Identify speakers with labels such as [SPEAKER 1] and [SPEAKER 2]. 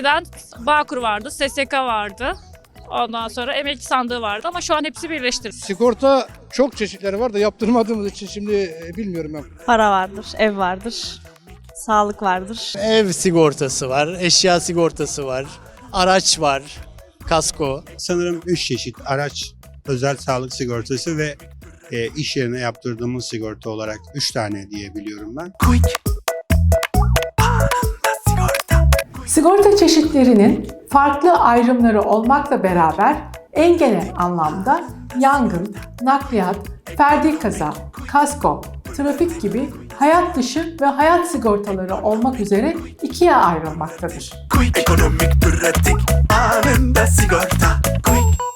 [SPEAKER 1] Eskiden Bağkur vardı, SSK vardı. Ondan sonra emekli sandığı vardı ama şu an hepsi birleştirildi.
[SPEAKER 2] Sigorta çok çeşitleri var da yaptırmadığımız için şimdi bilmiyorum ben.
[SPEAKER 3] Para vardır, ev vardır, sağlık vardır.
[SPEAKER 4] Ev sigortası var, eşya sigortası var, araç var, kasko.
[SPEAKER 5] Sanırım 3 çeşit araç, özel sağlık sigortası ve iş yerine yaptırdığımız sigorta olarak 3 tane diyebiliyorum ben.
[SPEAKER 6] Sigorta çeşitlerinin farklı ayrımları olmakla beraber en genel anlamda yangın, nakliyat, ferdi kaza, kasko, trafik gibi hayat dışı ve hayat sigortaları olmak üzere ikiye ayrılmaktadır.
[SPEAKER 7] Ekonomik, pratik, anında sigorta.